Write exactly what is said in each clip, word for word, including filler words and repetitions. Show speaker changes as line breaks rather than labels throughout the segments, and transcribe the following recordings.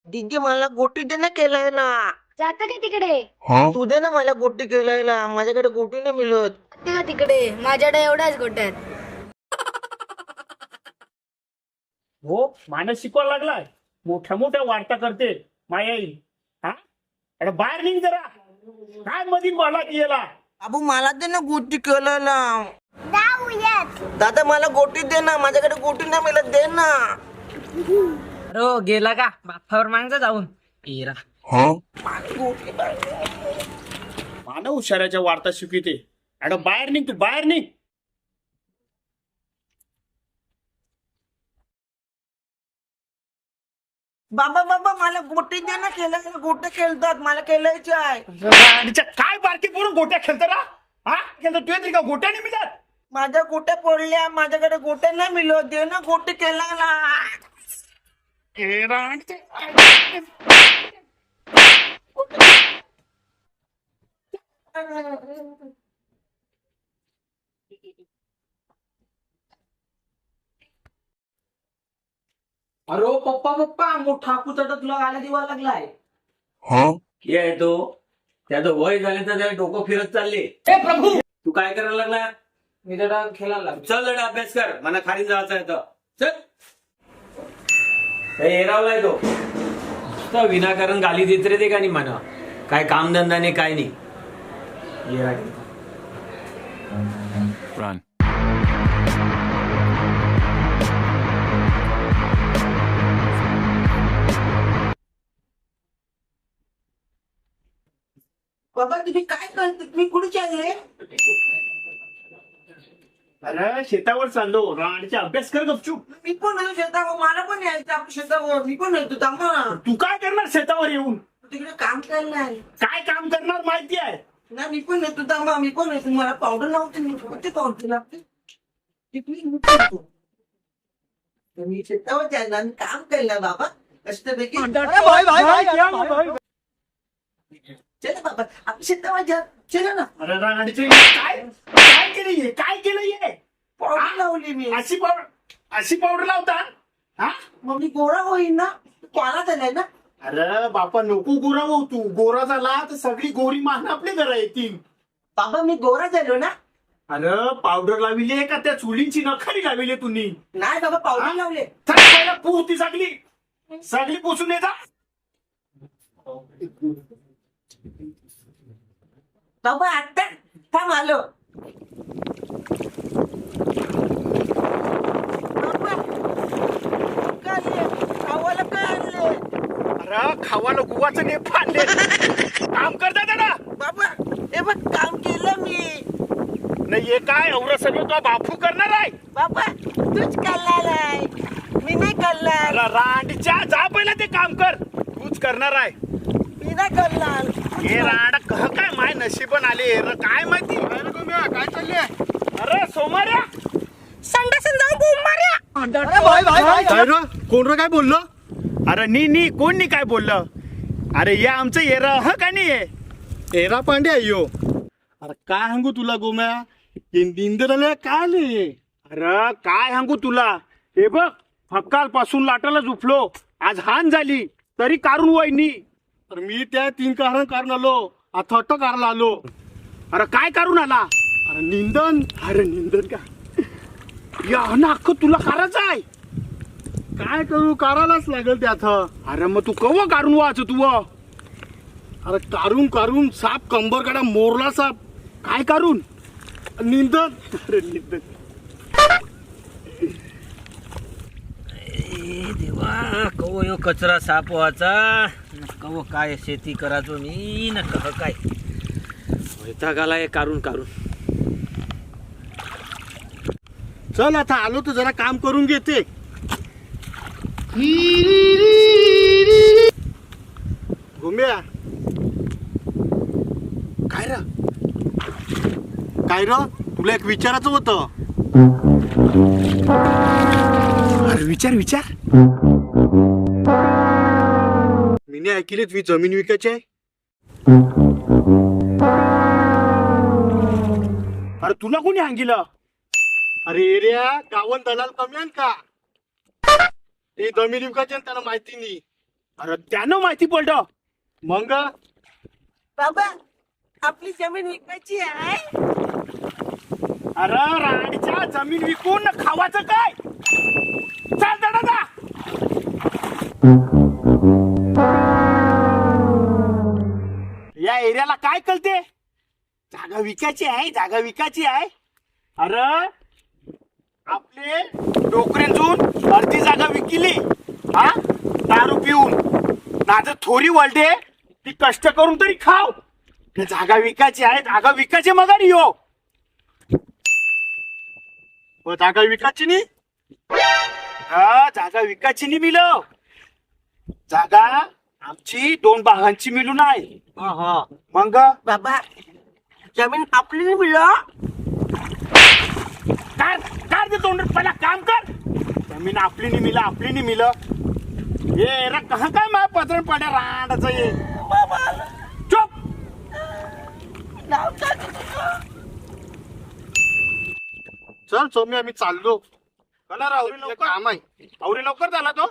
दीदी मला गोटी दे ना खेळायला.
जाता का तिकडे?
तू दे ना मला गोटी खेळायला, माझ्याकडे गोटी नाही मिळत.
ते का तिकडे माझ्याकडे एवढ्याच गोट्यात.
हो माणूस शिकवायला लागलाय, मोठ्या मोठ्या वार्ता करते माया येईल. हा अरे बाहेर निघ जरा, काय मधील मला गेला.
बाबू मला दे ना गोटी खेळायला. दादा मला गोटी दे ना, माझ्याकडे गोटी नाही मिळत, दे ना.
अरे गेला का बापावर मागचा जाऊन येरा.
मानव हुशाराच्या वार्ता शिकविते. अरे बाहेर निघ, तू बाहेर निघ.
बाबा बाबा मला गोटी दे ना खेळायला, गोटे खेळतात, मला खेळायचे आहे.
राणीच्या काय बारकी पोरून गोट्या खेळतो ना. हा खेळतो तू तरी का गोट्या नाही मिळत.
माझ्या गोट्या पडल्या, माझ्याकडे गोटे नाही मिळत, दे ना गोटी खेळायला.
ए राणीचे
अरे पप्पा पप्पा मोठा कुचटा तुला गाला दिवा लागलाय.
ये आहे तो, त्याचं वय झाले तर त्याला डोकं फिरत चालले.
हे प्रभू
तू काय करायला लागला?
मी जरा खेळायला लागलो.
चल जरा अभ्यास कर, मला खाली जायचं आहे तर चल. हे एरावलाय तो नुसतं विनाकारण गाली देत रे ते का नाही म्हणा. काय कामधंदा नाही काय नाही. येरा घेऊन.
Run.
बाबा तुम्ही काय करता, तुम्ही कुठे चालले?
अरे शेतावर चाललो. राणीचा अभ्यास कर गपचूप.
मी पण आहे शेतावर, मला पण यायचं आपल्या शेतावर, मी पण येतो, थांबा ना.
तू काय करणार शेतावर येऊन?
तिकडे काम करणार
काय काम करणार माहिती आहे?
ना, मी पण येतो, थांबा, मी पण येतो. मला पावडर लावते, मी कोणते पावडर लागते तिकडे मी पण येतो. मी शेतावर जायला आणि काम केलं बाबा कष्टपैकी. चला बाबा आपण शेतावर जा, चला ना.
अरे राणीचे काय काय केलं, काय केलं ये?
पावडर लावली मी.
अशी पावडर अशी पावडर लावता? हा
मग मी गोरा होईन ना, कोणा झालाय ना.
अरे बापा नको गोरा हो तू. गोरा झाला तर सगळी गोरी मान आपल्या घरा येतील.
बाबा मी गोरा झालो ना.
अरे पावडर लाविली का त्या चुलींची नखरी लाविली तुम्ही?
नाही बाबा पावडर लावले.
पहिला पू ती सगळी सगळी पुसून येता.
बाबा आता थांब आलो. बाबा काय आणले? खावाला काय आणले?
अरे खावाला गुवाचं ने फाडले. काम करता ना
बाबा हे बघ काम केलं मी.
नाही हे काय एवढं सगळं तो बापू करणार आहे?
बाबा तूच करणार आहे, मी नाही करणार.
अरे रांडच्या जा पहिला ते काम कर. तूच करणार आहे.
मी नाही करणार.
हे रांड कह काय माय नशीबन आले रे काय माहिती. काय चालले? अरे सोमार्या
संडासन जाऊन बोंब मार्या.
काय रे कोण रे काय बोललो? अरे नी नी कोण नी काय बोललं? अरे या आमचं एरा ह का नाही एरा पांडे अयो. अरे काय सांगू तुला गोम्या, निंदराला काय आले. अरे काय सांगू तुला, हे बघ फक्काल पासून लाटाला झुपलो, आज हान झाली तरी कारून वहिनी. तर मी त्या तीन कारण कारण आलो, आता अटक करायला आलो. अरे काय करून आला? अरे निंदन. अरे निंदन का या अख्खं तुला करायचं आहे. काय करू, करायलाच लागेल त्यात. अरे मग तू कव काढून वाच तू. अरे काढून काढून साप कंबर काढा मोरला साप. काय करून निंदन. अरे निंदन
देवा कव यो कचरा साप व्हायचा न कव काय शेती करायचो मी न कह काय वैतागाला हे काढून काढून.
चल आता आलो तर जरा काम करून घेते. घुम्या काय र काय र तुला एक विचारायचं होतं. अरे विचार विचार. मी ऐकले तुम्ही जमीन विकायची आहे. अरे तुला कोणी सांगितलं? अरे एरिया गावन दलाल कमी आहे का? हे जमीन विकायचे त्याला माहिती नाही. अरे त्यानं माहिती पडलं मग
बाबा आपली जमीन विकायची आहे.
अरे राणीच्या जमीन विकून खावाचं काय चाल दादा जा. या एरियाला काय कळते जागा विकायची आहे जागा विकायची आहे. अरे आपले डोकरेंजून अर्धी जागा विकिली हा दारू पिऊन नाजर थोडी वळते ती कष्ट करून तरी खाव. जागा विकायची आहे जागा विकायची मग यो जागा विकायची नाही हा जागा विकायची नाही मिळव. जागा आमची दोन भागांची मिळून आहे. मग
बाबा जमीन आपली नाही मिळलं.
काय काय ते तोंड पहिला काम कर. जमीन आपली नाही मिला आपली नाही मिल हे रे कहा काय मा पदरण पड्या रांडाचं ये चुप. चल सोमी आम्ही चाललो. कला रावरी लवकर काम आहे आवरी लवकर झाला तो.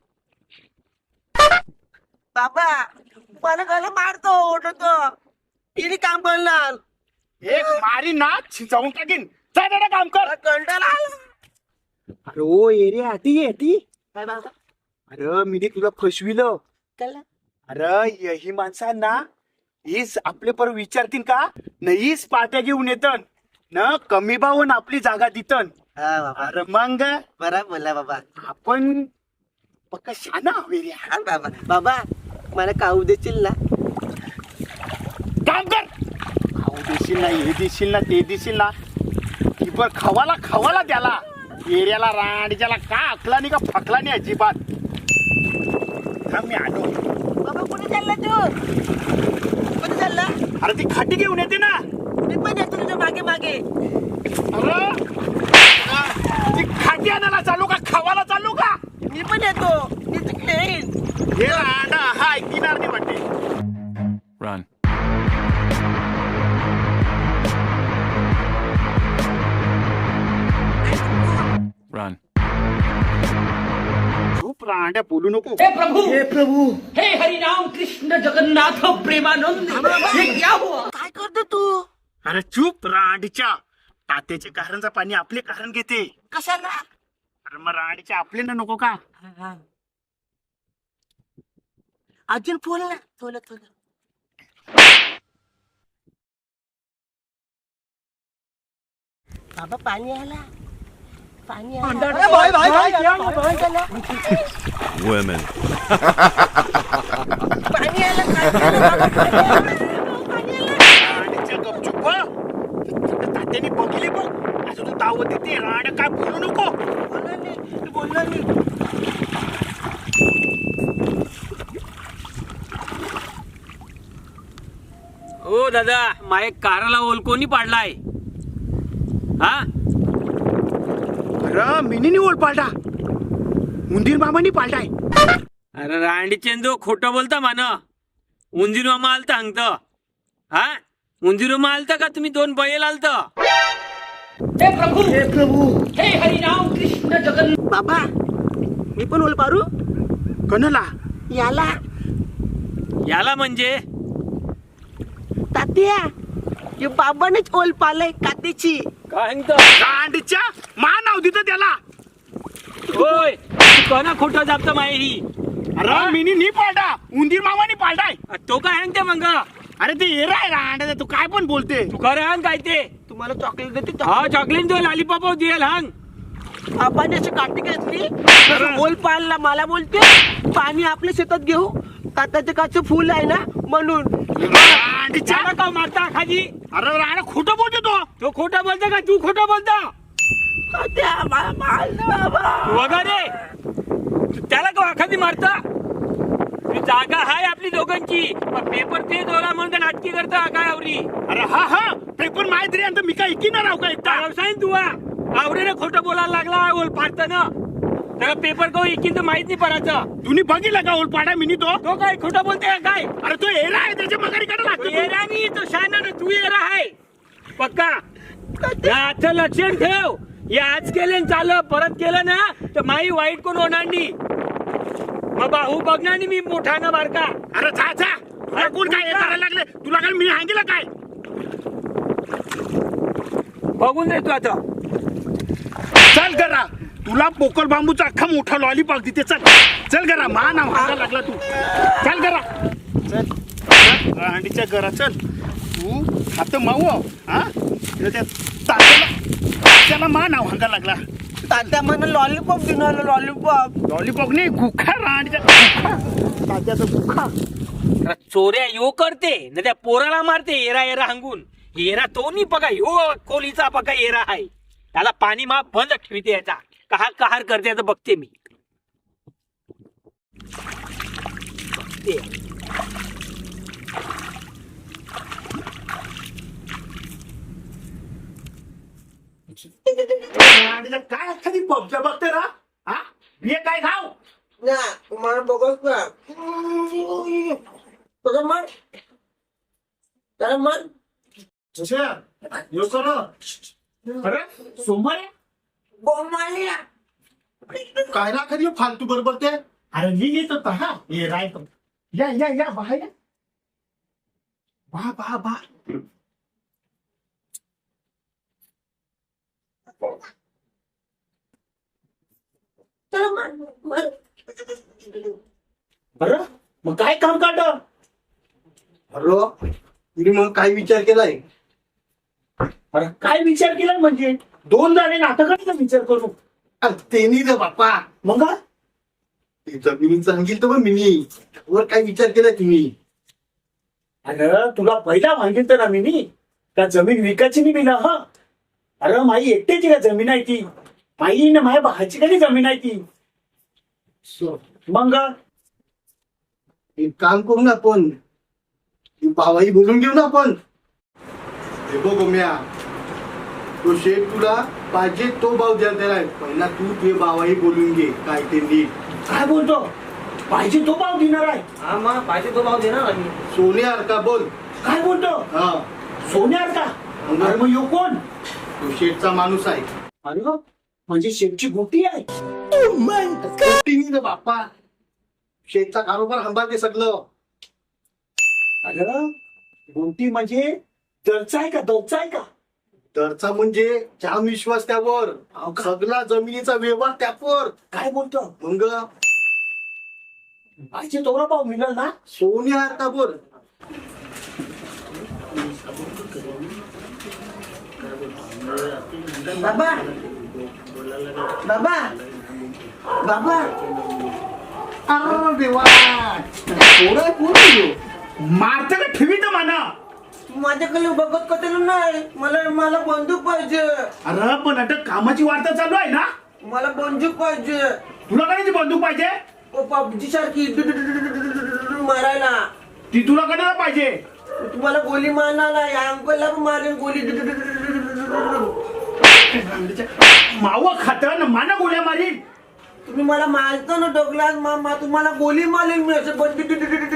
बाबा मला घाला मारतो ओढतो तिने काम करणार.
एक मारी ना जाऊन टाकीन जा दादा काम कर.
कंटाळा आला.
अरे ओ एरे आती येती.
काय बाबा
अरे मी तुला फसविलं.
त्याला
अरे ही माणसांना हीच आपले पर विचारतील का नाहीच पाट्या घेऊन येतन न कमी भावून आपली जागा देतन.
हा बाबा
अरे मग
बरा बोलला बाबा.
आपण पक्का शाना हवे रे.
हा बाबा बाबा मला खाऊ देशील ना.
काम कर खाऊ देशील ना हे देशील ना ते देशील ना की पण खवाला खवाला त्याला एरियाला रांडीच्याला का अकला नाही का फकला नाही अजिबात. थांब मी आलो.
बाबा कुठे चालला तू कुठे चालला.
अरे ती खाटी घेऊन येते ना.
मी पण येतो तुझ्या मागे मागे.
अरे ती खाटी आणायला चालू का खवाला चालू का.
मी पण येतो मी तिकडे येईन.
हे रांडा हा ऐकणार नाही वाटते.
Run. Run.
खूप रांड्या बोलू नको.
हे प्रभु हे प्रभु हे हरिनाम कृष्ण जगन्नाथ प्रेमानंद ये क्या हुआ.
काय करतो तू.
अरे चूप रांडीच्या तात्याचे कारणचं पाणी आपले कारण घेते.
कशाला.
अरे मग रांडीच्या आपले ना नको का.
अजून बोल ना थोडं थोडं. बाबा पाणी आला पाणी आला.
Women.
पाणी आलं काय केलं बाबा, पाणी आलं. पाणी आलं.
रांडीच्या गपचूप बघ. तात्याने बघितली बघ असं तू दावत देते. रांड काय बोलू नको.
बोलला नाही, तू बोलला नाही.
ओ दादा माये कारला ओल कोणी पाडलाय हा.
अरे मिनीनी ओळ पालटा उंदीर मामानी पालटाय.
अरे रांडी चेंदो खोटं बोलता मान. उंजीर मामा आलता हंगत हा. उंजीर मामा आलता का तुम्ही दोन बैल आलत.
हे प्रभु हे प्रभु हे हरिनाम कृष्ण जगन्नाथ.
बाबा मी पण ओल पारू.
कनला
याला
याला म्हणजे
तात्या हे बाबानेच ओल पालय कातीची.
काय हंगत
रांडीच्या मा नाव दिलं त्याला.
होय कोणा खोटं जापत माये ही.
अरे मिनी नी पालटा उंदीर मामानी पालटाय.
तो काय हंगते मग.
अरे ते एरा आहे रांडा तू काय पण बोलते.
तू खरं हंग काय ते.
तुम्हाला चॉकलेट देते.
हा चॉकलेट दो लॉलीपॉप दिल हंग.
बाबाने अशी काठी घेतली ओल पालला मला बोलते पाणी आपल्या शेतात घेऊ. तात्याचे काचं फुल आहे ना म्हणून.
रांडीच्या
त्याला का मारता खाली.
अरे राणा खोटं बोलतो तो.
तो खोटा बोलता का तू खोटा बोलता.
तात्या मला मारलं बाबा.
वगैरे त्याला का खाली मारता. ती जागा हाय आपली दोघांची. पण पेपर ते दोरा म्हणून नाटकी करता काय आवरी.
अरे हा हा पेपर माहिती रे मी काय ऐकी ना राव का एकटा.
व्यवसाय तू आवरीने खोटं बोलायला लागला ओल पाडताना. त्याला पेपर को एकीन तर माहित नाही पडायचं.
तुम्ही बघितलं का ओल पाडा मिनी तो.
तो काय खोटं बोलते का काय.
अरे तो एरा आहे त्याच्या मगारीकडे
तू
लागतो.
येरा नाही तो शाना ना तू येरा आहे पक्का. याचं लक्षण ठेव. हे आज केलं चाल परत केलं ना तर माई वाईट कोण होणार नाही. मग भाऊ बघ ना आणि मी मोठा ना बारका.
अरे जा जा तुला कोण काय हे करायला लागले तुला काय मी सांगितलं काय
बघून रे तू आता.
चल करा तुला पोकळ बांबूचा अख्खा मोठा लॉलीपॉप देते चल चल करा मा नाव हाका लागला तू चल करा चल रांडीच्या घरा चल तू आता माऊ हा त्या तात्याला तात्याला मा नाव हाका लागला
तात्या मला लॉलीपॉप घेऊन आलो लॉलीपॉप.
लॉलीपॉप नाही गुखा रांडीच्या गुखा तात्याचा गुखा.
अरे चोऱ्या यो करते ना त्या पोराला मारते एरा एरा हंगून. एरा तो नाही बघा यो कोलीचा बघा एरा आहे. त्याला पाणी मा बंद ठेवते याचा कहार कहार करते याचं बघते मी. बघते.
रांडीच्या काय एखादी पबच्या बघते ना हा हे काय खाऊ
ना मला बघत का बघा मग त्याला मग
जसे यो कर अरे सोमवार
बोंबाली
काय ना कधी फालतू बरोबर ते अरे मी येत होता हा ये राय या या या बाहेर बा बा बा
त्याला मग मग
बरं मग काय काम काढ
अरे तुम्ही मग काय विचार केलाय?
अरे काय विचार केला म्हणजे दोन झाले नाटकाचा विचार करू
अरे तेनी रे बाप्पा,
मग
ते जमिनी सांगितलं तर मिनी वर काय विचार केलाय तुम्ही?
अरे तुला पहिला सांगितलं ना मी त्या जमीन विकायची नाही बिना हा. अरे माई एकट्याची का जमीन आहे ती माई ना माझ्या भाची कधी जमीन आहे ती
सो,
मग
एक काम करू ना आपण, ती भावाई बोलून घेऊ ना आपण. हे बघ गोम्या, तो शेठ तुला पाहिजे तो भाव द्यायला त्याला पहिला तू तुझे भावाई बोलून घे काय ते नीट.
काय बोलतो पाहिजे तो भाव देणार आहे.
हा मग पाहिजे तो भाव देणार आम्ही.
सोन्यासारखा बोल.
काय बोलतो
हा,
सोन्यार का अरे मग यो कोण
तो शेठचा माणूस आहे.
अरे म्हणजे शेठची गोटी आहे.
गोष्टी रे बाप्पा, शेठचा कारोबार सांभाळते सगळं.
अरे गोटी म्हणजे दरचा आहे का दरचा आहे का
दरचा म्हणजे जाम विश्वास त्यावर,
हो का?
सगळा जमिनीचा व्यवहार त्यावर.
काय बोलतो
मग
पाहिजे तोरा भाव मिळेल ना.
सोन्यासारखा बोल.
बाबा बाबा बाबा
अरे देवा, पोरं कोण आहे ह्यो?
मारत का ठेवी तर म्हणा.
तू माझ्याकडे बघत कशाला नाही, मला मला बंदूक पाहिजे.
अरे पण आता कामाची वार्ता चालू आहे ना.
मला बंदूक पाहिजे.
तुला कधी बंदूक पाहिजे
पबजी सारखी मारायला.
ती तुला कधी पाहिजे.
तुम्हाला गोली मारणार नाही, या अंकलला पण मारेन गोली.
माव खात ना माना गोळ्या मारीन.
तुम्ही मला मारता ना डोकलात मामा, तुम्हाला गोली मारेन मी असं बंदूक.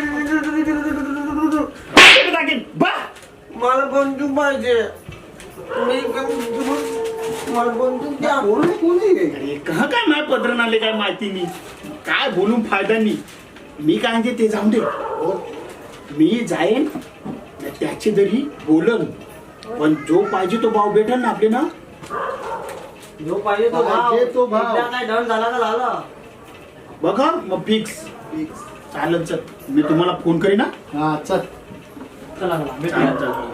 टाकीन बा.
मला बंदूक पाहिजे. तुम्ही मला बंदूक द्या.
पोरं कोण आहे?
अरे कहा काय माझ्या पदरण आले काय माहिती नाही, काय बोलून फायदा नाही. मी काय म्हणते ते जाऊन दे. मी जाईन त्याची जरी बोलन पण जो पाहिजे तो भाव भेटेल ना आपले ना.
जो पाहिजे तो भाव.
पाहिजे तो भाव.
एकदा काय डन झाला का झाला.
बघा मग फिक्स चालेल. चल मी तुम्हाला फोन करीन ना.
हा चल.
चला चला
चालेल,
भेटूया.
चालेल.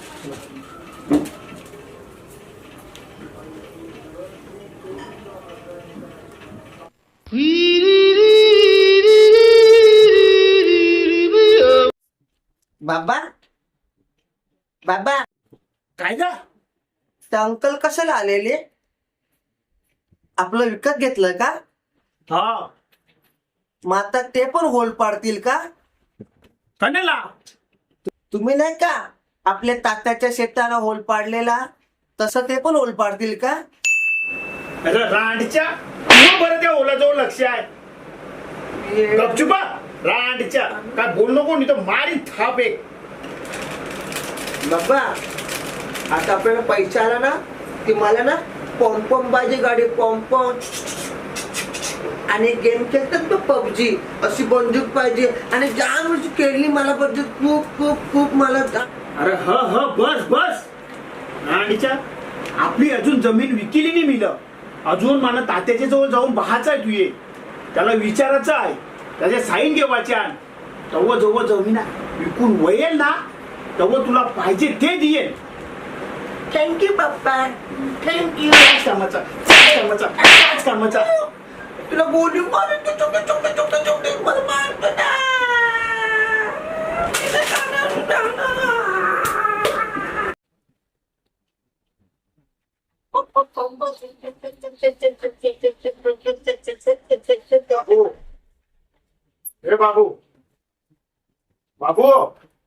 बाबा बाबा
काय गा
त्या अंकल कशाला आलेले? आपलं विकत घेतलं का?
हा
मग आता ते पण होल पाडतील का?
कण्याला
तुम्ही नाही का आपल्या तात्याच्या शेताला होल पाडलेला, तसं ते पण होल पाडतील का?
अरे रांडच्या तू बरं त्या ओलाजवळ लक्ष आहे. गपचुपा रांडच्या काय बोल नको नाही तर मारी थाप एक.
बाबा आता आपल्याला पैसा आला ना की मला ना पॉम्पॉम पाहिजे गाडी. पॉम्पॉम आणि गेम खेळतात तो पबजी, अशी बंदूक पाहिजे आणि जाम वर्षी खेळली मला बंदूक खूप खूप खूप मला जा-
अरे ह ह बस बस राणीच्या आपली अजून जमीन विकिली नाही मिलं. अजून मला तात्याच्या जवळ जाऊन पाहायचं आहे. तू ये त्याला विचारायचं आहे, त्याच्या साईन घेवायच्या. तेव्हा जवळ जमीन विकून वळेल ना तेव्हा तुला पाहिजे ते देईल.
थँक्यू पप्पा, थँक्यू.
त्याच कामाचा त्याच कामाचा त्याच कामाचा.
तुला गोली मारून तू चोके चोके चोके चोके मला मारतो ना.
हे बाबू बाबू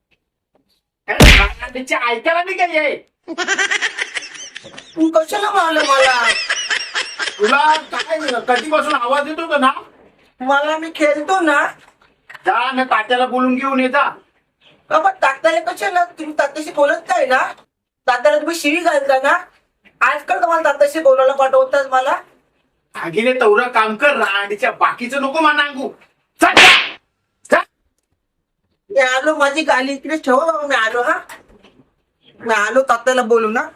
ऐकायला नाही काय
तू कशाला मारलं मला?
तुला काय कधीपासून आवाज येतो का ना?
मला मी खेळतो ना.
जा ना तात्याला बोलून घेऊन येता.
बाबा तात्याला कशाला? तुम्ही तात्याशी बोलत नाही ना. तात्याला तुम्ही शिवी घालता ना. आजकाल तुम्हाला तात्याशी बोलायला पाठवतात मला.
आगीने तेवढं काम कर राणीच्या बाकीचं नको मा नांगू. चल, जा. जा.
मी आलो, माझी गाली इकडे ठेव बाबा. मी आलो हा. मी आलो तात्याला बोलू ना.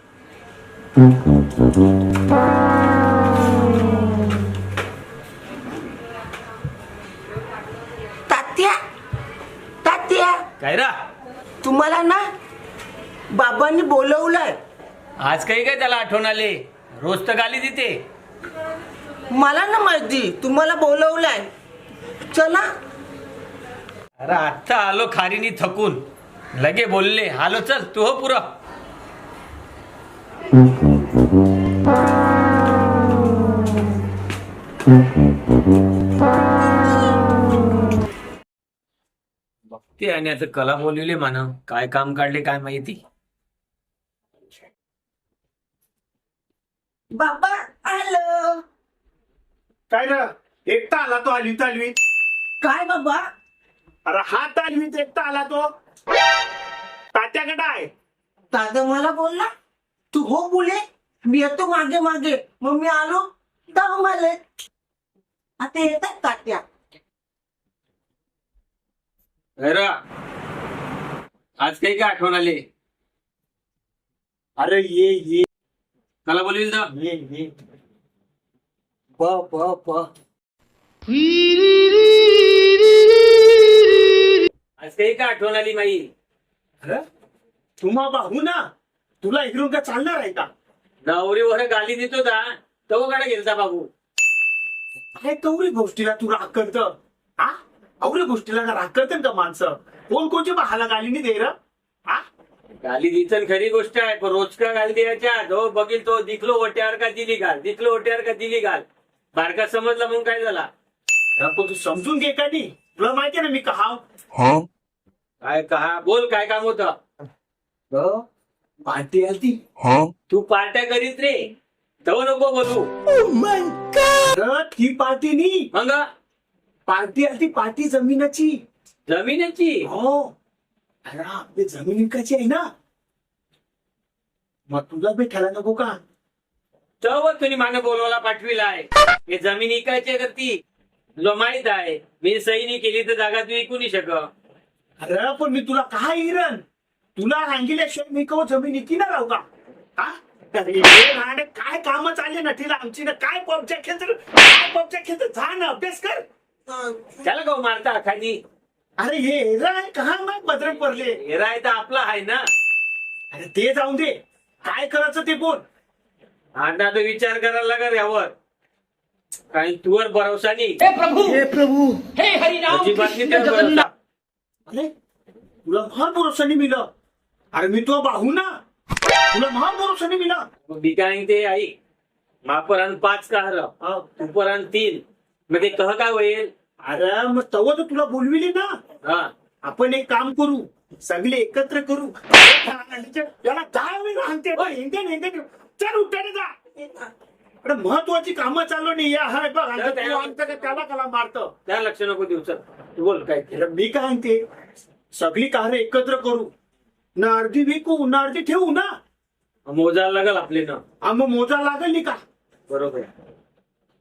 तात्या तात्या
काय रा
तुम्हाला ना बाबांनी बोलवलंय.
आज काही काय त्याला आठवण आले? रोज तर गाली देते.
मला ना माहिती तुम्हाला बोलवलंय. चला.
अरे आत्ता आलो खारीनी थकून, लगे बोलले आलो, चल तू हो पुरा. बघते आणि आता कला बोलवले म्हणा, काय काम काढले काय माहिती.
बाबा आलो.
काय रे एकटा आला तो आलवी तालवी?
काय बाबा?
अरे हा तालवीत एकटा आला तो. तात्याकडे आहे.
दादा मला बोलला तू हो बोले, मी येतो मागे मागे. मग मी आलो दहा माले. आता येतात तात्या.
अरे आज काही काय आठवण आले?
अरे ये ये
कला बोलवील ना.
ये ये
प प प
आज काही काय आठवण आली माई?
अरे तुम्हा बाहू ना, तुला इकडून का चालणार आहे का?
नवरीवर गाली देतो का तो गाडा गेलता बाबू.
अरे कवरी गोष्टीला तू राग करत हा? अवरी गोष्टीला का राग करते का माणसं? कोण कोणची बहाला गाली नाही दे र हा?
गाली दिसन खरी गोष्ट आहे, पण रोज का गाली द्यायच्या. जो बघील तो दिखलो ओट्यावर का दिली घाल, दिखलो ओट्यावर का दिली घाल. बारका समजला म्हणून काय झाला?
अरे पण तू समजून घे का नाही? तुला माहिती आहे ना मी कहा
काय कहा बोल, काय काम होतं?
पार्टी आलती.
तू पार्ट्या करीत रे, तव नको बोलू.
अरे ती पार्टी नाही,
मग
पार्टी आलती पार्टी जमिनाची.
जमिनीची
हो. अरे आपली जमीन विकायची आहे ना, मग तुला भेटायला नको का?
तव तुम्ही मागे बोलवायला पाठविलाय. हे जमीन इकायची करती तुला माहित आहे. मी सही नाही केली तर जागा तू विकू नाही शक.
अरे पण मी तुला काय हिरण, तुला सांगितल्याशिवाय मी कव जमीन इकिना राहू का? हा? अरे हे राहणे काय काम चालले ना तिला आमची ना. काय पबच्या खेळत काय पबच्या खेळत जा ना, अभ्यास कर.
त्याला गो मारता खाली.
अरे हे हेरा आहे का मग बदरक पडले.
हेरा आहे तर आपला आहे ना.
अरे ते जाऊन दे, काय करायचं ते बोल.
आता तो विचार करायला लागल यावर. काही तुवर भरोसा नाही.
हे प्रभु
हे प्रभू
हे हरिनाम
अजिबात
कृष्ण
नाही त्यावर
जगन्नाथ.
अरे तुला महान भरोसाने मिळलं. अरे मी तो बाहू ना, तुला महान भरोसाने मिळलं.
मग मी काय ते आई मापरान पाच कार उपरान तीन, मग ते कह काय होईल?
अरे मग तव तर तुला बोलविले ना.
हा
आपण एक काम करू, सगळे एकत्र करू. याला काय वेळ सांगते हिंदे हिंदे चल उठाने जा. अरे महत्वाची कामं चालू नाही या हाय बघ. आणि तू आमचं का त्याला कला मारतं.
त्या लक्ष नको देऊ. चल तू बोल काय ते.
अरे मी काय म्हणते, सगळी कार्य एकत्र करू ना, अर्धी विकू ना अर्धी ठेवू ना.
मोजायला लागल आपले ना.
हा मग मोजा लागल नाही का?
बरोबर.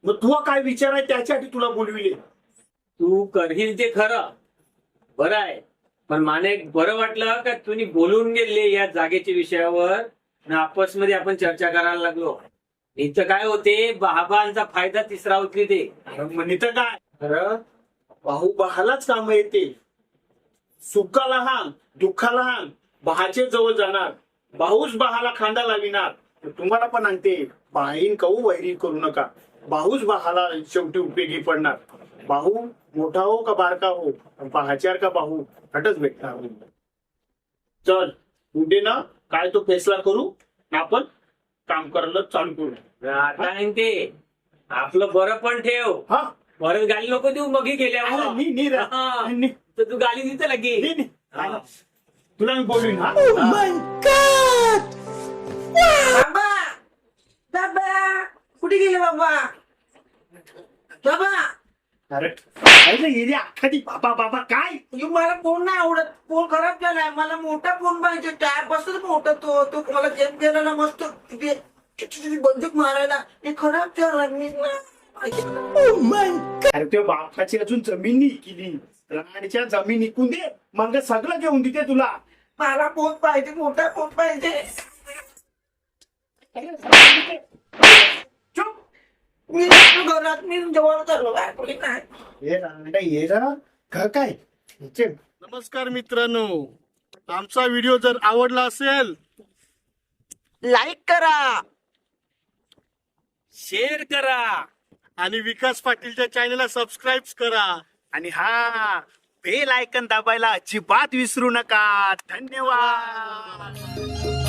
मग तुला काय विचार आहे त्याच्यासाठी तुला बोलविले.
तू करशील ते खरं बरं आहे, पण माने एक बरं वाटलं का तुम्ही बोलून गेले या जागेच्या विषयावर आणि आपसमध्ये आपण चर्चा करायला लागलो. इथं काय होते, बाबांचा फायदा तिसरा उचली ते.
म्हणित काय खरं भाऊ बहालाच काम येते. सुखाला हान दुःखाला हान बहाचे जवळ जाणार, भाऊच बहाला खांदा लाविणार. तुम्हाला पण आणते बाहीन कहू वैरी करू नका. भाऊच बहाला शेवटी उपयोगी पडणार. भाऊ मोठा हो का बारका हो, बहाच्यार का भाऊ हटच भेटणार. चल उद्या ना काय तो फैसला करू आणि आपण काम करायला चालू करू.
आता नाही ते आपलं बरं पण ठेव.
हा
परत गाली नको देऊ मग गेल्या
अरे, नी नी रे.
हा.
नी,
तर तू गाली देते लगे.
नी, नी.
हा.
तुला मी बोलवीन हा.
बाबा बाबा कुठे गेले बाबा? बाबा
अरे काय रे एरिया अख्खादी बाबा बाबा काय
अयो, मला फोन नाही आवडत. फोन खराब झालाय. मला मोठा फोन पाहिजे. टायर बसत मोठा तो तो मला गेम खेळायला मस्त ते- ते बंदूक मारायला. हे खराब झाला. मी
अरे त्या बापाची अजून जमीन नाही केली. राणीच्या जमीन इकून दे मग सगळं घेऊन देते तुला.
मला फोन पाहिजे. मोठा फोन पाहिजे.
चुप.
मी जातो घरात. मी जवळ चाललो कोणी नाही.
हे रांडा ये जरा घर काय. नमस्कार मित्रांनो, आमचा व्हिडिओ जर आवडला असेल
लाईक करा,
शेअर करा
आणि विकास पाटीलच्या चॅनलला सबस्क्राईब करा. आणि हा बेल आयकन दाबायला अजिबात विसरू नका. धन्यवाद.